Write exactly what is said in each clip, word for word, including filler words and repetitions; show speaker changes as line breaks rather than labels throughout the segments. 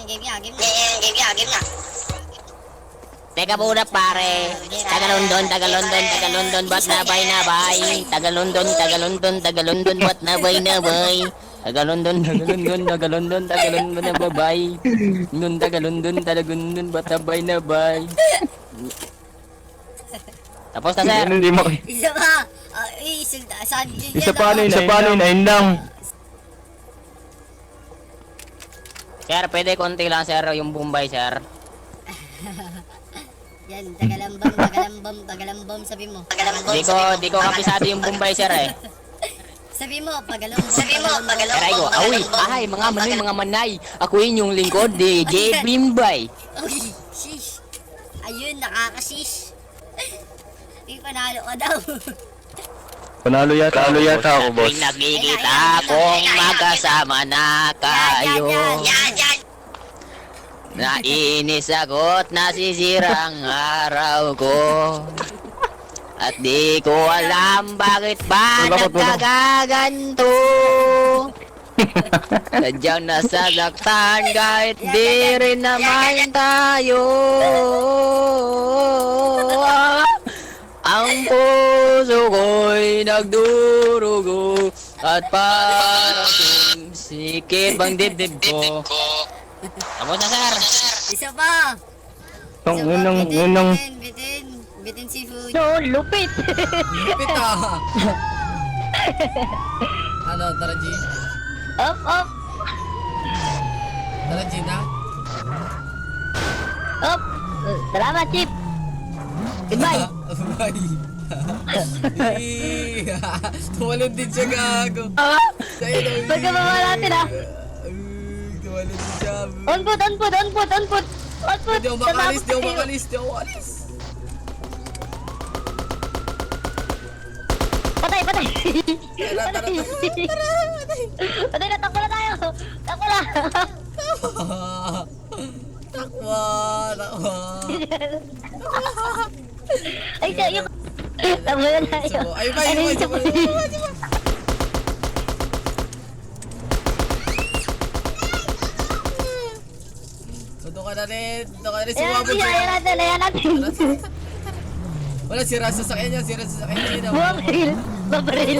game nga, game nga. Game nga, game nga.
Teka muna pare. Taga London, taga London, taga London, ba't nabay nabay? Taga London, taga London, taga London, ba't nabay nabay? Taga London, taga London, taga London, taga London, nababay. Nun taga London, taga London, ba't nabay nabay? Tapos na sir.
Hindi mo.
Isa pa. Ah, eh, isa saan yun
Isa
yan,
pa ano
ah?
yun, isa pa ano yun, ayun lang.
Sir, pwede konti lang sir, yung Bombay sir.
Yan, tagalambam, tagalambam, tagalambam, sabi mo. Tagalambam,
Di ko, di ko kapisado yung Bombay sir eh.
Sabi mo, pagalambam, sabi mo, pagalambam.
Aray ko, awi, ay, mga manoy, mga manay. Ako yun yung lingkod ni J. Bimbay.
Uy, shish. Ayun, nakakashish. May panalo ka daw.
Panalo yata, panalo yata ako, boss.
Tuwing nakikita kong magkasama na kayo.
Yan, yan.
Nainis ako't nasisira ang araw ko. At di ko alam bakit ba
Wala ko, wala.
nagkagaganto. Sadyang nasasaktan kahit di rin naman tayo. Ang puso ko'y nagdurugo at parang sumsikip ang dibdib ko. Tapos na sir.
Isa pa.
Tong,
Isa pa,
yun ang,
bitin,
yun ang,
bitin, bitin, bitin seafood.
No, lupit.
Lupit ah! Ano, tara G?
Up, up,
Tara G na?
up. Salamat, Chip. Goodbye.
Bye! Tumalon din siya gago!
Ah,
Sa'yo daw yun.
pagkababa natin ah.
Ay, tumalon din siya.
On foot, on foot, on foot, on foot. On foot.
Di ako makalis, di ako makalis, di ako makalis!
Patay, patay.
Tara, tara, tara!
Patay na, takbo na tayo. Takbo na.
Takwa! Takwa!
Ay, siya, yung... Takbo na tayo.
Ay, ba, ay, ba, ay, ba, ay, ba, Tuto ka na rin, tuto ka na rin,
Ayan,
sumabot
siya, ayan
siya.
natin, ayan natin.
Wala, sira sa sakyan niya, sira sa sakyan niya.
Babaril, babaril.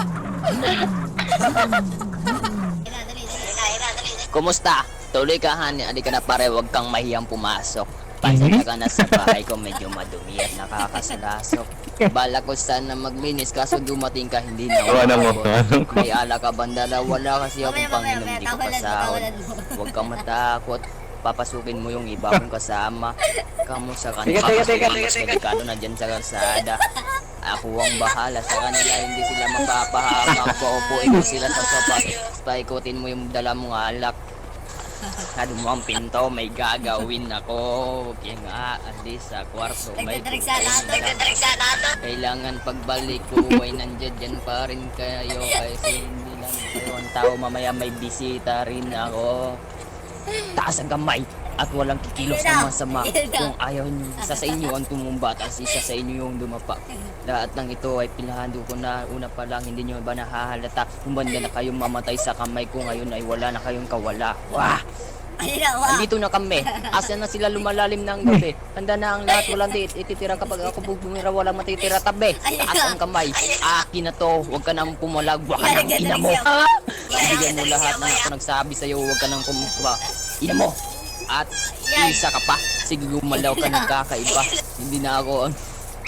Dali, dali, dali, dali, dali.
Kumusta? Tuloy ka hani, adi ka na pare, wag kang mahiyang pumasok. Pasensya ka na sa bahay ko, medyo madumi at nakakasalasok. Bala ko sana magminis, kaso dumating ka, hindi na
Tawanan mo,
umabot.
tawanan ko.
May ala ka bandala, wala kasi akong
Mamaya, mamaya,
panginom,
mamaya,
di ko
tawanan mo,
pasahod.
tawanan mo.
Huwag kang matakot, papasukin mo yung iba kong kasama. Kamu sa kanila,
Teka, teka, teka,
mas delikado na dyan sa kalsada. Ako ang bahala sa kanila, hindi sila mapapahamak. Paupuin mo sila sa sopa, paikutin mo yung dala mong alak. Sado mo ang pinto, may gagawin ako. Huwag yung aalis sa kwarto, may
Nagdadrigs sa nato,
pupunta.
nagdadrigs sa nato.
Kailangan pagbalik ko ay nandiyan dyan pa rin kayo. Kasi hindi lang kayo ang tao, mamaya may bisita rin ako. Taas ang kamay at walang kikilos na masama. Kung ayaw niyo, isa sa inyo ang tumumba at isa sa inyo yung dumapa. Lahat ng ito ay pinahando ko na una pa lang, hindi nyo ba nahahalata? Humanda na kayong mamatay sa kamay ko, ngayon ay wala na kayong kawala. Wah!
Ayun na, wow.
Andito na kami. Asa na sila lumalalim ng gabi. Handa na ang lahat, walang dit. Ititira kapag ako bumira, walang matitira tabi. Taas ang kamay. Akin na to. Huwag ka nang pumalag. Huwag ka nang ina mo. Bigyan mo lahat na ako nagsabi sa'yo. Huwag ka nang kumukuha. Ina mo. At isa ka pa. Sige, gumalaw ka ng kakaiba. Hindi na ako ang...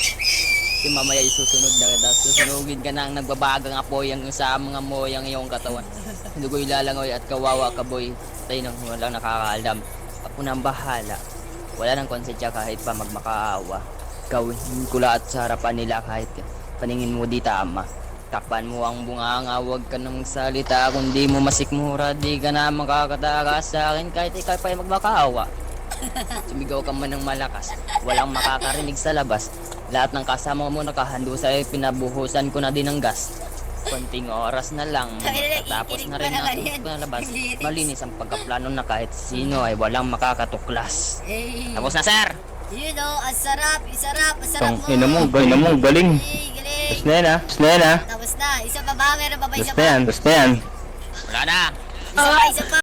Si mamaya isusunod na kita. Susunugin ka na ang nagbabagang apoy ang sa mga moyang iyong katawan. Dugoy lalangoy at kawawa ka boy. Tayo nang walang nakakaalam. Ako nang bahala. Wala nang konsensya kahit pa magmakaawa. Gawin ko lahat sa harapan nila kahit paningin mo di tama. Takpan mo ang bunganga, huwag ka nang salita. Kung di mo masikmura, di ka na makakatakas sa akin kahit ikaw pa ay magmakaawa. Sumigaw ka man ng malakas, walang makakarinig sa labas. Lahat ng kasama mo nakahando sa'yo, pinabuhusan ko na din ng gas. Konting oras na lang, tapos na rin ang palabas. Malinis ang pagkaplano na kahit sino ay walang makakatuklas.
Eh,
Tapos na sir!
yun o, ang sarap, ang sarap, ang sarap
Tong,
mo.
ina mo, galing mo, galing.
Eh, galing.
Tapos na yan ah, tapos na yan ah.
Tapos na, isa pa ba? Meron pa ba isa
Tapos
pa?
na yan, tapos na yan.
Wala na!
Isa pa, isa pa.